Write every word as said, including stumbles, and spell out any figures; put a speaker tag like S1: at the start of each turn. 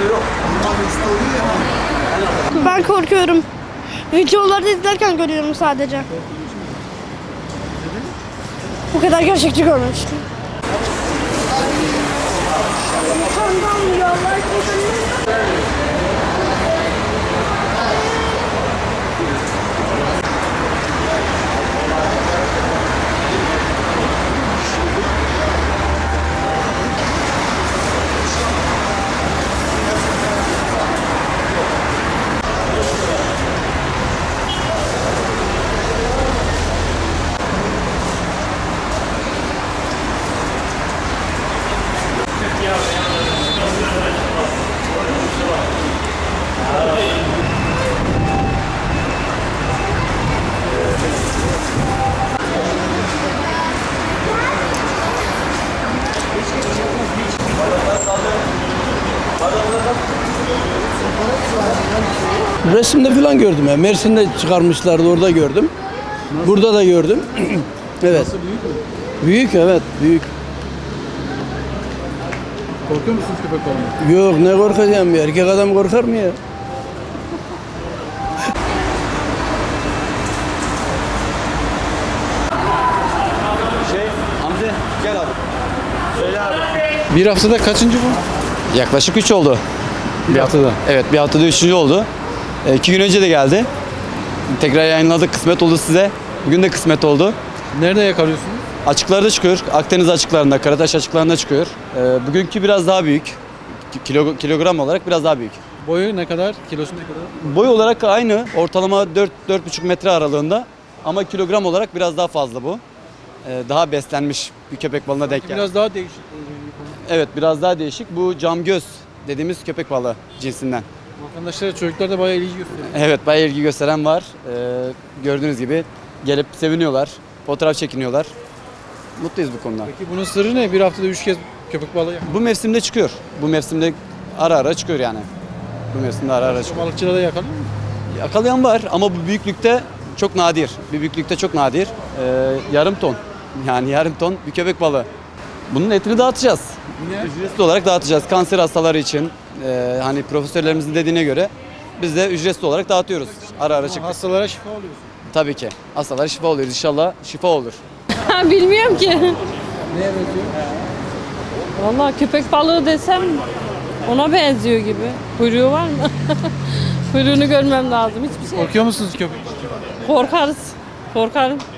S1: Ben korkuyorum. Videoları izlerken görüyorum sadece. Bu kadar gerçekçi görmemiştim.
S2: Resimde falan gördüm ya. Mersin'de çıkarmışlardı, orada gördüm. Burada da gördüm. Evet.
S3: Nasıl, büyük mü?
S2: Büyük, evet, büyük.
S3: Korkuyor musunuz köpek balığından?
S2: Yok, ne korkacağım ya? Erkek adam korkar mı ya?
S4: Şey, Hamdi gel abi. Söyle abi.
S3: Bir haftada kaçıncı bu?
S4: Yaklaşık üç oldu.
S3: Bir haftada.
S4: Evet, bir haftada üçüncü oldu. E, iki gün önce de geldi. Tekrar yayınladık, kısmet oldu size. Bugün de kısmet oldu.
S3: Nerede yakalıyorsunuz?
S4: Açıklarda çıkıyor, Akdeniz açıklarında, Karataş açıklarında çıkıyor. E, bugünkü biraz daha büyük. Kilo, kilogram olarak biraz daha büyük.
S3: Boyu ne kadar? Kilosu ne kadar?
S4: Boy olarak aynı, ortalama dört dört buçuk metre aralığında. Ama kilogram olarak biraz daha fazla bu. E, daha beslenmiş bir köpek balığına denk geldi.
S3: Biraz daha değişik.
S4: Evet, biraz daha değişik. Bu camgöz dediğimiz köpek balığı cinsinden.
S3: Vatandaşlar, çocuklar da bayağı ilgi gösteriyor.
S4: Evet, bayağı ilgi gösteren var. Ee, gördüğünüz gibi gelip seviniyorlar, fotoğraf çekiniyorlar. Mutluyuz bu konuda.
S3: Peki bunun sırrı ne? Bir haftada üç kez köpek balığı yakalıyor.
S4: Bu mevsimde çıkıyor. Bu mevsimde ara ara çıkıyor yani. Bu mevsimde ara ara çıkıyor.
S3: Balıkçıda da yakalıyor mu?
S4: Yakalayan var ama bu büyüklükte çok nadir. Bir büyüklükte çok nadir. Ee, yarım ton. Yani yarım ton bir köpek balığı. Bunun etini dağıtacağız.
S3: Niye?
S4: Ücretsiz olarak dağıtacağız. Kanser hastaları için. e, hani profesörlerimizin dediğine göre biz de ücretsiz olarak dağıtıyoruz. Ara ara çıktık.
S3: Hastalara şifa oluyorsun.
S4: Tabii ki. Hastalara şifa oluyoruz. İnşallah şifa olur.
S5: Bilmiyorum ki.
S3: Neye benziyor?
S5: Vallahi köpek balığı desem ona benziyor gibi. Kuyruğu var mı? Kuyruğunu görmem lazım. Hiçbir şey.
S3: Korkuyor musunuz köpek?
S5: Korkarız. Korkarım.